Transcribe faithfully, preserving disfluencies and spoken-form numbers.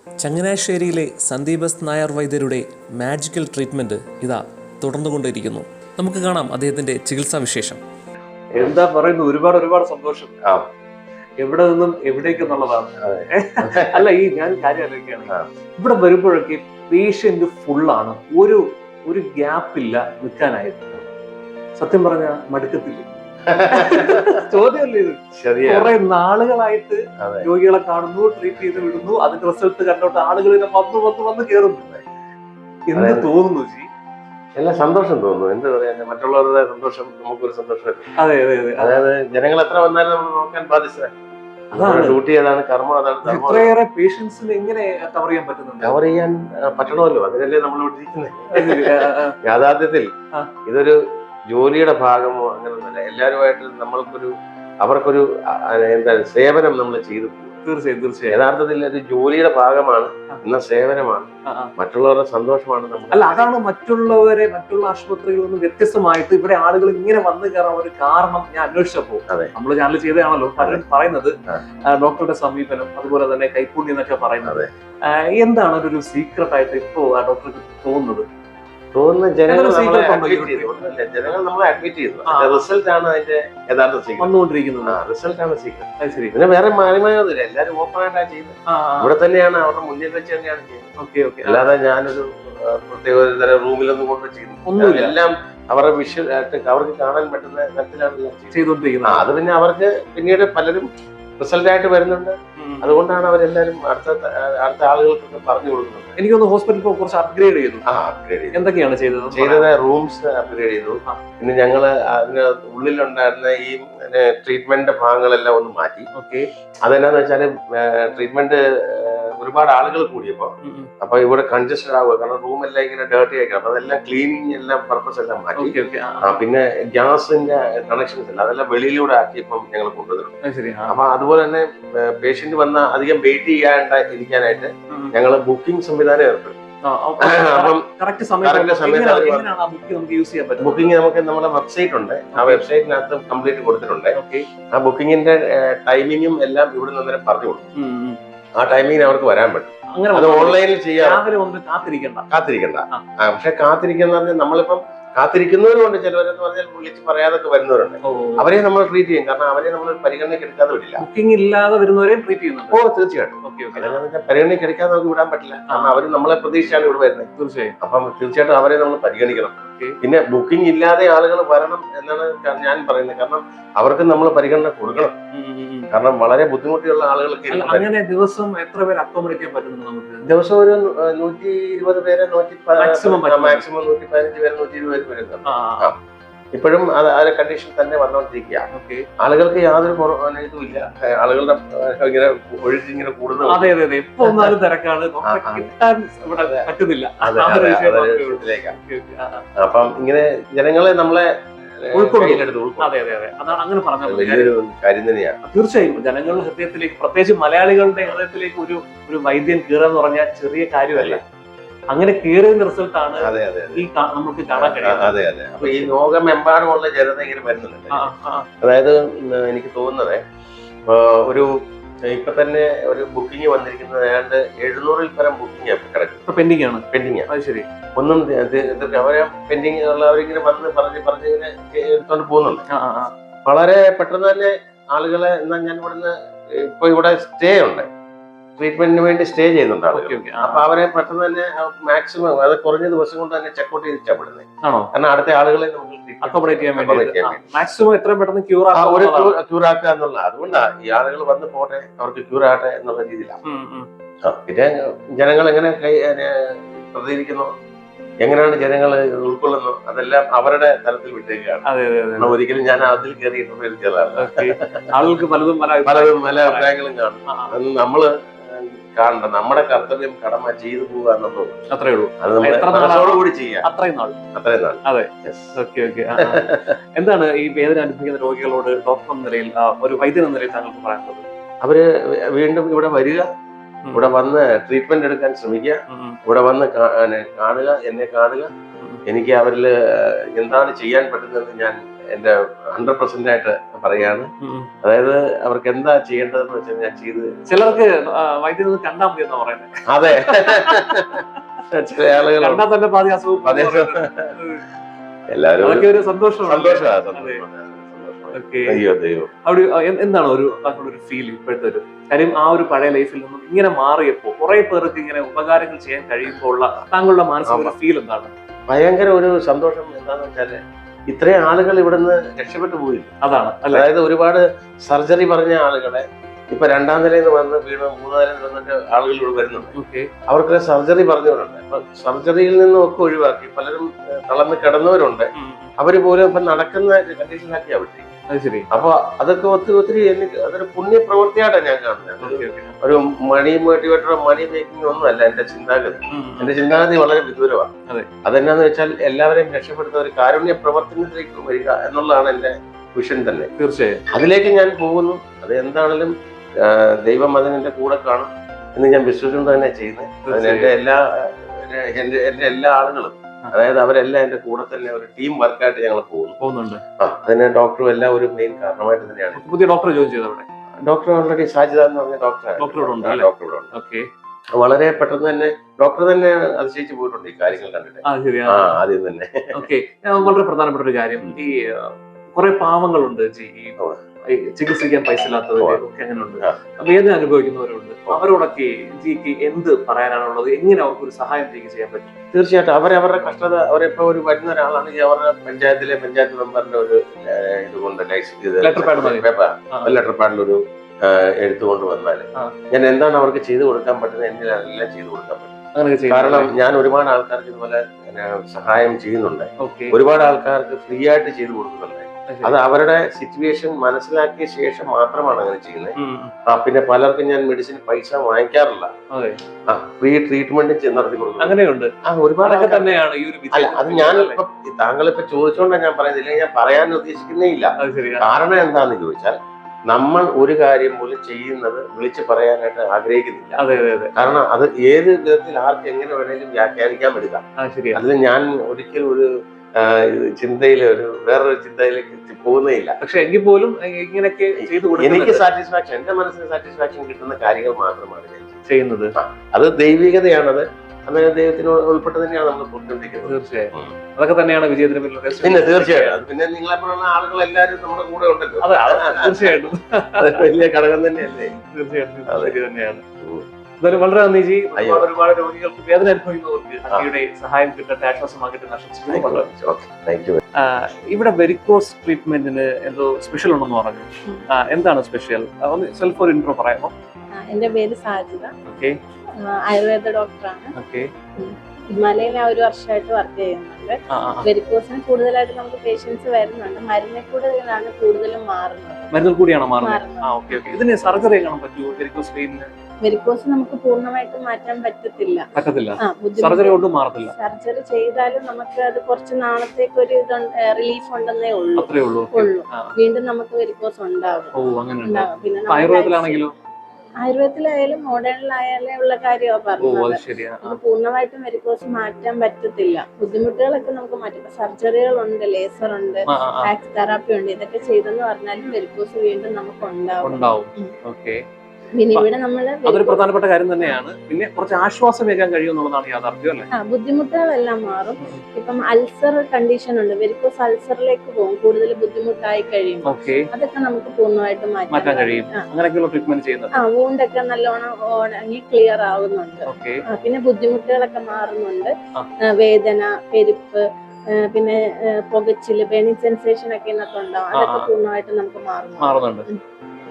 ചങ്ങനാശ്ശേരിയിലെ Sandeep S Nair വൈദ്യരുടെ magical treatment ഇതാ തുടർന്നുകൊണ്ടിരിക്കുന്നു. നമുക്ക് കാണാം അദ്ദേഹത്തിൻ്റെ ചികിത്സാ വിശേഷം. എന്താ പറയുന്നു, ഒരുപാട് ഒരുപാട് സന്തോഷം. എവിടെ നിന്നും എവിടേക്ക് എന്നുള്ളതാണ്. അല്ല, ഈ ഞാൻ കാര്യം ആലോചിക്കുകയാണ്, ഇവിടെ വരുമ്പോഴൊക്കെ പേഷ്യന്റ് ഫുള്ളാണ്, ഒരു ഒരു ഗ്യാപ്പില്ല നിൽക്കാനായിട്ട്. സത്യം പറഞ്ഞ മടുക്കത്തില്ല. ചോദ്യമല്ലേ ഇത്? കുറെ നാളുകളായിട്ട് രോഗികളെ കാണുന്നു, ട്രീറ്റ് ചെയ്ത് വിടുന്നു, അതിന്റെ റിസൾട്ട് കണ്ടോട്ട് ആളുകൾ വന്ന് വന്ന് വന്ന് കയറുന്നു. എന്ത് തോന്നുന്നു ജി? എല്ലാം സന്തോഷം തോന്നുന്നു. എന്ത് പറയാ, മറ്റുള്ളവരുടെ സന്തോഷം നമുക്കൊരു സന്തോഷം. അതെ അതെ അതെ. അതായത് ജനങ്ങൾ എത്ര വന്നാലും നമ്മൾ നോക്കാൻ ബാധ്യസ്ഥ. ഡ്യൂട്ടി ഏതാണ്, കർമ്മം അതാണ്. ഇത്രയേറെ പേഷ്യൻസിന് എങ്ങനെ കവർ ചെയ്യാൻ പറ്റുന്നുണ്ട്? കവർ ചെയ്യാൻ പറ്റണമല്ലോ, അതിനല്ലേ നമ്മൾ ഇവിടെ ഇരിക്കുന്നത്. യാഥാർത്ഥ്യത്തിൽ ഇതൊരു ജോലിയുടെ ഭാഗമോ അങ്ങനെയൊന്നുമില്ല. എല്ലാവരുമായിട്ട് നമ്മൾക്കൊരു അവർക്കൊരു എന്താ സേവനം നമ്മൾ ചെയ്തു പോകും. തീർച്ചയായും തീർച്ചയായും. യഥാർത്ഥത്തിൽ ഒരു ജോലിയുടെ ഭാഗമാണ്, എന്ന സേവനമാണ്, മറ്റുള്ളവരുടെ സന്തോഷമാണ് നമ്മൾ. അല്ല, അതാണ് മറ്റുള്ളവരെ മറ്റുള്ള ആശുപത്രികളിൽ നിന്ന് വ്യത്യസ്തമായിട്ട് ഇവിടെ ആളുകൾ ഇങ്ങനെ വന്നു കയറാൻ ഒരു കാരണം ഞാൻ അന്വേഷിച്ചപ്പോ നമ്മൾ ചാനൽ ചെയ്തതാണല്ലോ പലരും പറയുന്നത് ഡോക്ടറുടെ സമീപനം, അതുപോലെ തന്നെ കൈപ്പുണ്യം എന്നൊക്കെ പറയുന്നത്. എന്താണ് ഒരു സീക്രട്ട് ആയിട്ട് ഇപ്പോ ഡോക്ടർക്ക് തോന്നുന്നത്? തോന്നുന്ന ജനങ്ങൾ നമ്മളെ അഡ്മിറ്റ് ചെയ്തു. ജനങ്ങൾ നമ്മളെ അഡ്മിറ്റ് ചെയ്തു. റിസൾട്ട് ആണ് അതിന്റെ യഥാർത്ഥ സീക്രട്ട് വന്നുകൊണ്ടിരിക്കുന്നത്. റിസൾട്ട് ആണ് സീക്രട്ട്. പിന്നെ വേറെ മാറിമായൊന്നുമില്ല, എല്ലാരും ഓപ്പൺ ആയിട്ടാണ് ചെയ്യുന്നത്. ഇവിടെ തന്നെയാണ്, അവരുടെ മുന്നിൽ വെച്ച് തന്നെയാണ് ചെയ്യുന്നത്. അല്ലാതെ ഞാനൊരു പ്രത്യേക ഒരു തരം റൂമിലൊന്നും കൊണ്ട് ചെയ്യുന്നു. എല്ലാം അവരുടെ വിഷ്വൽ ആയിട്ട് അവർക്ക് കാണാൻ പറ്റുന്ന തരത്തിലാണ് ചെയ്തുകൊണ്ടിരിക്കുന്നത്. അത് പിന്നെ അവർക്ക് പിന്നീട് പലരും റിസൾട്ട് ആയിട്ട് വരുന്നുണ്ട്. അതുകൊണ്ടാണ് അവരെല്ലാരും അടുത്ത അടുത്ത ആളുകൾക്കൊക്കെ പറഞ്ഞു കൊടുക്കുന്നത്. എനിക്കൊന്ന് ഹോസ്പിറ്റൽ കുറച്ച് അപ്ഗ്രേഡ് ചെയ്തു. ആ അപ്ഗ്രേഡ് ചെയ്തു. എന്തൊക്കെയാണ് ചെയ്തത്? ചെയ്തത് റൂംസ് അപ്ഗ്രേഡ് ചെയ്തു. പിന്നെ ഞങ്ങള് അതിന് ഉള്ളിലുണ്ടായിരുന്ന ഈ ട്രീറ്റ്മെന്റ് ഭാഗങ്ങളെല്ലാം ഒന്ന് മാറ്റി. ഓക്കെ. അതെന്നാന്ന് വെച്ചാല് ട്രീറ്റ്മെന്റ് ഒരുപാട് ആളുകൾ കൂടിയപ്പോ അപ്പൊ ഇവിടെ കൺജസ്റ്റഡ് ആവുക. കാരണം റൂം എല്ലാം ഇങ്ങനെ ഡേർട്ടി ആയിരിക്കും. അപ്പൊ അതെല്ലാം ക്ലീനിങ് എല്ലാം പർപ്പസ് എല്ലാം മാറ്റി. പിന്നെ ഗ്യാസിന്റെ കണക്ഷൻസ് എല്ലാം അതെല്ലാം വെളിയിലൂടെ ആക്കിയപ്പം ഞങ്ങൾ കൊണ്ടുവന്നു. അപ്പൊ അതുപോലെ തന്നെ പേഷ്യന്റ് വന്ന അധികം വെയിറ്റ് ചെയ്യാണ്ട ഇരിക്കാനായിട്ട് ഞങ്ങൾ ബുക്കിംഗ് സംവിധാനം ഏർപ്പെടുത്തി. ബുക്കിംഗ് നമുക്ക് നമ്മുടെ വെബ്സൈറ്റ് ഉണ്ട്. ആ വെബ്സൈറ്റിനകത്ത് കംപ്ലീറ്റ് കൊടുത്തിട്ടുണ്ട്. ആ ബുക്കിംഗിന്റെ ടൈമിങ്ങും എല്ലാം ഇവിടെ നിന്ന് പറഞ്ഞു കൊടുക്കും. ആ ടൈമിങ്ങിന് അവർക്ക് വരാൻ പറ്റും. അത് ഓൺലൈനിൽ ചെയ്യാം. കാത്തിരിക്കണ്ട കാത്തിരിക്കണ്ട പക്ഷെ കാത്തിരിക്കുന്ന പറഞ്ഞാൽ നമ്മളിപ്പം കാത്തിരിക്കുന്നവരുണ്ട്. ചിലവരെന്ന് പറഞ്ഞാൽ വിളിച്ച് പറയാതൊക്കെ വരുന്നവരുണ്ട്. അവരെ നമ്മൾ ട്രീറ്റ് ചെയ്യും. കാരണം അവരെ നമ്മൾ പരിഗണനയ്ക്ക് എടുക്കാതെ വിടില്ല. ബുക്കിംഗ് ഇല്ലാതെ വരുന്നവരെ ട്രീറ്റ് ചെയ്യുന്നുണ്ട്. ഓ തീർച്ചയായിട്ടും. പരിഗണനയ്ക്ക് എടുക്കാതെ നമുക്ക് വിടാൻ പറ്റില്ല. കാരണം അവർ നമ്മളെ പ്രതീക്ഷിച്ചാണ് ഇവിടെ വരുന്നത്. തീർച്ചയായും. അപ്പം തീർച്ചയായിട്ടും അവരെ നമ്മൾ പരിഗണിക്കണം. പിന്നെ ബുക്കിംഗ് ഇല്ലാതെ ആളുകൾ വരണം എന്നാണ് ഞാൻ പറയുന്നത്. കാരണം അവർക്ക് നമ്മൾ പരിഗണന കൊടുക്കണം. കാരണം വളരെ ബുദ്ധിമുട്ടുള്ള ആളുകൾക്ക് അങ്ങനെ ദിവസം എത്ര പേര് അക്കോമഡേറ്റ് ചെയ്യാൻ പറ്റുന്നുണ്ട്? നമുക്ക് ദിവസം ഒരു നൂറ്റി ഇരുപത് പേരെ നൂറ്റി മാക്സിമം മാക്സിമം നൂറ്റി പതിനഞ്ച് പേര് നൂറ്റി ഇരുപത് പേര് വരുന്നുണ്ട്. ഇപ്പോഴും അത് കണ്ടീഷൻ തന്നെ വന്നുകൊണ്ടിരിക്കുകയാണ്. ആളുകൾക്ക് യാതൊരു ഇതും ഇല്ല. ആളുകളുടെ ഇങ്ങനെ ഒഴുക്ക് ഇങ്ങനെ കൂടുന്നു. അതെ അതെ അതെ. ഇപ്പൊ ഒന്നാലും തിരക്കാണ്, പറ്റുന്നില്ല. അപ്പം ഇങ്ങനെ ജനങ്ങളെ നമ്മളെ കാര്യം തന്നെയാണ്. തീർച്ചയായും ജനങ്ങളുടെ ഹൃദയത്തിലേക്ക്, പ്രത്യേകിച്ച് മലയാളികളുടെ ഹൃദയത്തിലേക്ക് ഒരു ഒരു വൈദ്യൻ കീറുക എന്ന് പറഞ്ഞാൽ ചെറിയ കാര്യമല്ല. അങ്ങനെ കീറിയതിന്റെ റിസൾട്ട് ആണ് ഈ നമുക്ക് കാണാൻ കഴിയും. അതെ അതെ. അപ്പൊ ഈ ലോകമെമ്പാടുമുള്ള ജനത ഇങ്ങനെ വരുന്നുണ്ട്. അതായത് എനിക്ക് തോന്നുന്നത് ഒരു ഇപ്പൊ തന്നെ ഒരു ബുക്കിംഗ് വന്നിരിക്കുന്നത് ഏതാണ്ട് എഴുന്നൂറിൽ പരം ബുക്കിംഗ് കിടക്കും. പെൻഡിങ് ആണ്. പെൻഡിങ് അത് ശരി. ഒന്നും അവരെ പെൻഡിങ് ഉള്ളവരിങ്ങനെ വന്ന് പറഞ്ഞ് പറഞ്ഞ് ഇങ്ങനെ എടുത്തോണ്ട് പോകുന്നുണ്ട്. വളരെ പെട്ടെന്ന് തന്നെ ആളുകളെ എന്നാ ഞാൻ ഇവിടുന്ന് ഇപ്പൊ ഇവിടെ സ്റ്റേ ഉണ്ട്, ട്രീറ്റ്മെന്റിന് വേണ്ടി സ്റ്റേ ചെയ്യുന്നുണ്ട് ആളുകൾ. അപ്പൊ അവരെ പെട്ടെന്ന് തന്നെ മാക്സിമം അത് കുറഞ്ഞ ദിവസം കൊണ്ട് തന്നെ ചെക്കൗട്ട് ചെയ്തിട്ടാ വിടുന്നത്. കാരണം അടുത്ത ആളുകളെ അക്കോമഡേറ്റ് ചെയ്യാൻ വേണ്ടി മാക്സിമം എത്രയും പെട്ടെന്ന് ക്യൂർ ക്യൂർ ആക്കുക എന്നുള്ള. അതുകൊണ്ടാണ് ഈ ആളുകൾ വന്ന് പോട്ടെ, അവർക്ക് ക്യൂർ ആകട്ടെ എന്നുള്ള രീതിയിലാണ്. പിന്നെ ജനങ്ങൾ എങ്ങനെ പ്രതികരിക്കുന്നു, എങ്ങനെയാണ് ജനങ്ങൾ ഉൾക്കൊള്ളുന്നു, അതെല്ലാം അവരുടെ തലത്തിൽ വിട്ടേക്കാണ്. ഒരിക്കലും ഞാൻ അതിൽ കയറി ആളുകൾക്ക് പലതും പലതും പല അഭിപ്രായങ്ങളും കാണും. അത് നമ്മള് കാണണ്ട, നമ്മുടെ കർത്തവ്യം കടമ ചെയ്തു പോവുക എന്നുള്ളത് അത്രേ ഉള്ളൂ. അത് നമ്മളോടുകൂടി ചെയ്യാം. അത്രയും നാൾ അത്രയും നാൾ അതെ. Okay okay. എന്താണ് ഈ വേദന അനുഭവിക്കുന്ന രോഗികളോട് ഡോക്ടർ എന്ന നിലയിൽ, ഒരു വൈദ്യൻ എന്ന നിലയിൽ താങ്കൾക്ക് പറയാനുള്ളത്? അവര് വീണ്ടും ഇവിടെ വരിക, ഇവിടെ വന്ന് ട്രീറ്റ്മെന്റ് എടുക്കാൻ ശ്രമിക്കുക, ഇവിടെ വന്ന് കാണുക, എന്നെ കാണുക. എനിക്ക് അവരിൽ എന്താണ് ചെയ്യാൻ പറ്റുന്നതെന്ന് ഞാൻ എന്റെ ഹൺഡ്രഡ് പെർസെന്റ് ആയിട്ട് പറയാണ്. അതായത് അവർക്ക് എന്താ ചെയ്യേണ്ടതെന്ന് വെച്ചാൽ ഞാൻ ചെയ്ത്. ചിലർക്ക് വൈദ്യുതി കണ്ടാൽ മതി എന്നാ പറയുന്നത്. അതെ, ചില ആളുകൾ കണ്ടാൽ തന്നെ പാതി അസുഖം. എല്ലാവരും അതൊക്കെ ഒരു സന്തോഷമാണ്. സന്തോഷമാണ്. അയ്യോ ദൈവം. അവിടെ എന്താണ് ഒരു ഒരു ഫീൽ ഇപ്പോഴത്തെ ഒരു കാര്യം? ആ ഒരു പഴയ ലൈഫിൽ നിന്നും ഇങ്ങനെ മാറിയപ്പോ കുറെ പേർക്ക് ഇങ്ങനെ ഉപകാരങ്ങൾ ചെയ്യാൻ കഴിയുമ്പോൾ ഉള്ള താങ്കളുടെ മാനസിക ഫീൽ എന്താണ്? ഭയങ്കര ഒരു സന്തോഷം. എന്താന്ന് വെച്ചാല് ഇത്രയും ആളുകൾ ഇവിടുന്ന് രക്ഷപ്പെട്ടു പോയില്ല. അതാണ്, അതായത് ഒരുപാട് സർജറി പറഞ്ഞ ആളുകളെ ഇപ്പൊ രണ്ടാം നിലയിൽ നിന്ന് വന്ന് വീണ് മൂന്നാം നിലയിൽ വന്നിട്ട് ആളുകൾ ഇവിടെ വരുന്നുണ്ട്. അവർക്ക് സർജറി പറഞ്ഞവരുണ്ട്. അപ്പൊ സർജറിയിൽ നിന്നും ഒക്കെ ഒഴിവാക്കി പലരും തളർന്ന് കിടന്നവരുണ്ട്. അവര് പോലും ഇപ്പൊ നടക്കുന്ന കണ്ടീഷനിലാക്കി അവിടെ. അപ്പൊ അതൊക്കെ ഒത്തിരി ഒത്തിരി എനിക്ക് അതൊരു പുണ്യ പ്രവൃത്തിയായിട്ടാണ് ഞാൻ കാണുന്നത്. ഒരു മണി മോട്ടിവേറ്ററോ മണി മേക്കിംഗ് ഒന്നും അല്ല എന്റെ ചിന്താഗതി. എന്റെ ചിന്താഗതി വളരെ വിദൂരമാണ്. അതെന്നാന്ന് വെച്ചാൽ എല്ലാവരെയും രക്ഷപ്പെടുത്ത ഒരു കാരുണ്യ പ്രവർത്തനത്തിലേക്ക് വരിക എന്നുള്ളതാണ് എന്റെ വിഷൻ തന്നെ. തീർച്ചയായും അതിലേക്ക് ഞാൻ പോകുന്നു. അത് എന്താണെങ്കിലും ദൈവം അതിനെന്റെ കൂടെ കാണും എന്ന് ഞാൻ വിശ്വസിച്ചുകൊണ്ട് തന്നെ ചെയ്യുന്നത്. അതിന് എന്റെ എല്ലാ എന്റെ എന്റെ എല്ലാ ആളുകളും, അതായത് അവരെല്ലാം എന്റെ കൂടെ തന്നെ ഒരു ടീം വർക്കായിട്ട് ഞങ്ങൾ പോകുന്നുണ്ട്. ആ അതിന് ഡോക്ടറും എല്ലാം ഒരു മെയിൻ കാരണമായിട്ട് തന്നെയാണ്. പുതിയ ഡോക്ടർ ജോയിൻ ചെയ്തവിടെ ഡോക്ടർ ഓൾറെഡി സാജിദ എന്ന് പറഞ്ഞ ഡോക്ടർ ഡോക്ടർ വളരെ പെട്ടെന്ന് തന്നെ ഡോക്ടർ തന്നെ അതിശയിച്ചു പോയിട്ടുണ്ട് ഈ കാര്യങ്ങൾ കണ്ടിട്ട്. ആ ആദ്യം തന്നെ. ഓക്കെ, വളരെ പ്രധാനപ്പെട്ട ഒരു കാര്യം, ഈ കുറെ പാവങ്ങളുണ്ട് ഈ ചികിത്സിക്കാൻ പൈസ ഇല്ലാത്തവര് ഒക്കെ അങ്ങനെയുണ്ട്, വേദന അനുഭവിക്കുന്നവരുണ്ട്. അവരോടൊക്കെ ജിക്ക് എന്ത് പറയാനാണുള്ളത്? എങ്ങനെ അവർക്ക് ഒരു സഹായം ജിക്ക് ചെയ്യാൻ പറ്റും? തീർച്ചയായിട്ടും അവരവരുടെ കഷ്ടത അവരിപ്പോ ഒരു വരുന്ന ഒരാളാണെങ്കിൽ അവരുടെ പഞ്ചായത്തിലെ പഞ്ചായത്ത് മെമ്പറിന്റെ ഒരു ഇതുകൊണ്ട് ലെറ്റർ പാഡ് ലെറ്റർ പാഡിൽ ഒരു എഴുത്തുകൊണ്ട് വന്നാല് ഞാൻ എന്താണ് അവർക്ക് ചെയ്തു കൊടുക്കാൻ പറ്റുന്നത് എന്നെല്ലാം ചെയ്തു കൊടുക്കാൻ പറ്റും. കാരണം ഞാൻ ഒരുപാട് ആൾക്കാർക്ക് ഇതുപോലെ സഹായം ചെയ്യുന്നുണ്ട്. ഒരുപാട് ആൾക്കാർക്ക് ഫ്രീ ആയിട്ട് ചെയ്തു കൊടുക്കുന്നുണ്ട്. അത് അവരുടെ സിറ്റുവേഷൻ മനസ്സിലാക്കിയ ശേഷം മാത്രമാണ് അങ്ങനെ ചെയ്യുന്നത്. ആ പിന്നെ പലർക്കും ഞാൻ മെഡിസിൻ പൈസ വാങ്ങിക്കാറില്ല. ഫ്രീ ട്രീറ്റ്മെന്റ് നടത്തി കൊടുക്കും. അങ്ങനെയുണ്ട്. ആ ഒരുപാട് തന്നെയാണ് ഈ ഒരു അല്ല അത് ഞാൻ ഇപ്പൊ താങ്കളിപ്പോ ചോദിച്ചോണ്ടാണ് ഞാൻ പറയുന്നില്ല, ഞാൻ പറയാൻ ഉദ്ദേശിക്കുന്നേ ഇല്ല. കാരണം എന്താന്ന് ചോദിച്ചാൽ നമ്മൾ ഒരു കാര്യം പോലും ചെയ്യുന്നത് വിളിച്ചു പറയാനായിട്ട് ആഗ്രഹിക്കുന്നില്ല. കാരണം അത് ഏത് വിധത്തിൽ ആർക്ക് എങ്ങനെ വേണേലും വ്യാഖ്യാനിക്കാൻ എടുക്കാം. അതിൽ ഞാൻ ഒരിക്കലും ഒരു ചിന്തയില് ഒരു വേറൊരു ചിന്തയിലേക്ക് പോകുന്നേ ഇല്ല. പക്ഷെ എങ്കിൽ പോലും ഇങ്ങനെയൊക്കെ ചെയ്തു എനിക്ക് സാറ്റിസ്ഫാക്ഷൻ, എന്റെ മനസ്സിന് സാറ്റിസ്ഫാക്ഷൻ കിട്ടുന്ന കാര്യങ്ങൾ മാത്രമാണ് ഞാൻ ചെയ്യുന്നത്. അത് ദൈവികതയാണത്. അങ്ങനെ ദൈവത്തിന് ഉൾപ്പെട്ട് തന്നെയാണ് നമ്മൾ പൊട്ടിക്കൊണ്ടിരിക്കുന്നത്. തീർച്ചയായും അതൊക്കെ തന്നെയാണ് വിജയത്തിന് പിന്നെ തീർച്ചയായും പിന്നെ നിങ്ങളെപ്പോലുള്ള ആളുകൾ എല്ലാവരും നമ്മുടെ കൂടെ ഉണ്ടല്ലോ. തീർച്ചയായിട്ടും അത് വലിയ ഘടകം തന്നെയല്ലേ. തീർച്ചയായിട്ടും തന്നെയാണ്. എന്തായാലും വളരെ നന്ദി ജി. ഒരുപാട് ഒരുപാട് രോഗികൾക്ക് വേദന അനുഭവിക്കുന്നവർക്ക് അങ്ങയുടെ സഹായം കിട്ടട്ടെ, ആശ്വാസമാകട്ടെ ആശംസിക്കുന്നു. ഇവിടെ വെരിക്കോസ് ട്രീറ്റ്മെന്റിന് എന്തോ സ്പെഷ്യൽ ഉണ്ടെന്ന് പറഞ്ഞു. എന്താണ് സ്പെഷ്യൽ? ഒന്ന് സെൽഫ് ഒരു ഇൻട്രോ പറയാമോ? എന്റെ പേര് സാജിദ. ഓക്കെ, ആയുർവേദ ഡോക്ടറാണ്. ഓക്കെ, ഹിമാലയയിൽ ഞാൻ ഒരു വർഷമായിട്ട് വർക്ക് ചെയ്യുന്നുണ്ട്. വെരിക്കോസിന് കൂടുതലായിട്ട് നമുക്ക് പേഷ്യൻസ് വരുന്നുണ്ട്. മരുന്നിൽ കൂടുതലാണ് കൂടുതലും മാറുന്നത്. മരുന്നിൽ കൂടിയാണോ മാറുന്നത്? ഇതിന് സർജറി കാണാൻ പറ്റുമോ? വെരിക്കോസ് വെയിനിന് വെരിക്കോസ് നമുക്ക് പൂർണ്ണമായിട്ടും മാറ്റാൻ പറ്റത്തില്ല. പറ്റത്തില്ല. സർജറി കൊണ്ട് മാറത്തില്ല. സർജറി ചെയ്താലും നമുക്ക് അത് കുറച്ച് നാളത്തേക്ക് ഒരു റിലീഫ് ഉണ്ടെന്നേ ഉള്ളൂ. അത്രേ ഉള്ളൂ. വീണ്ടും നമുക്ക് വെരിക്കോസ് ഉണ്ടാകും. പിന്നെ ആയുർവേദത്തിലാണെങ്കിലും ആയുർവേദത്തിലായാലും മോഡേണിലായാലും ഉള്ള കാര്യമാണ് പറഞ്ഞത്. പൂർണ്ണമായിട്ടും വെരിക്കോസ് മാറ്റാൻ പറ്റത്തില്ല. ബുദ്ധിമുട്ടുകളൊക്കെ നമുക്ക് മാറ്റാം. സർജറികൾ ഉണ്ട്, ലേസർ ഉണ്ട്, വാക്സ് തെറാപ്പി ഉണ്ട്. ഇതൊക്കെ ചെയ്തെന്ന് പറഞ്ഞാലും വെരിക്കോസ് വീണ്ടും നമുക്ക് ഉണ്ടാവും. പിന്നെ ഇവിടെ നമ്മള് അതൊരു പ്രധാനപ്പെട്ട കാര്യം തന്നെയാണ്. പിന്നെ കുറച്ച് ആശ്വാസമേകാൻ കഴിയുമെന്നുള്ളതാണ് യാഥാർത്ഥ്യം അല്ലേ? ആ ബുദ്ധിമുട്ടുകളെല്ലാം മാറും. ഇപ്പം അൾസർ കണ്ടീഷൻ ഉണ്ട്, വെരിക്കോസ് അൾസറിലേക്ക് പോകും കൂടുതൽ ബുദ്ധിമുട്ടായി കഴിയുമ്പോൾ. അതൊക്കെ നമുക്ക് പൂർണ്ണമായിട്ടും മാറ്റാൻ കഴിയും. ആ വൂണ്ടൊക്കെ നല്ലോണം ഉണങ്ങി ക്ലിയർ ആവുന്നുണ്ട്. പിന്നെ ബുദ്ധിമുട്ടുകളൊക്കെ മാറുന്നുണ്ട്. വേദന, പെരുപ്പ്, പിന്നെ പുകച്ചില്, ബേണിംഗ് സെൻസേഷൻ ഒക്കെ ഇന്നത്തെ ഉണ്ടാവും. അതൊക്കെ പൂർണ്ണമായിട്ടും നമുക്ക് മാറുന്നുണ്ട്.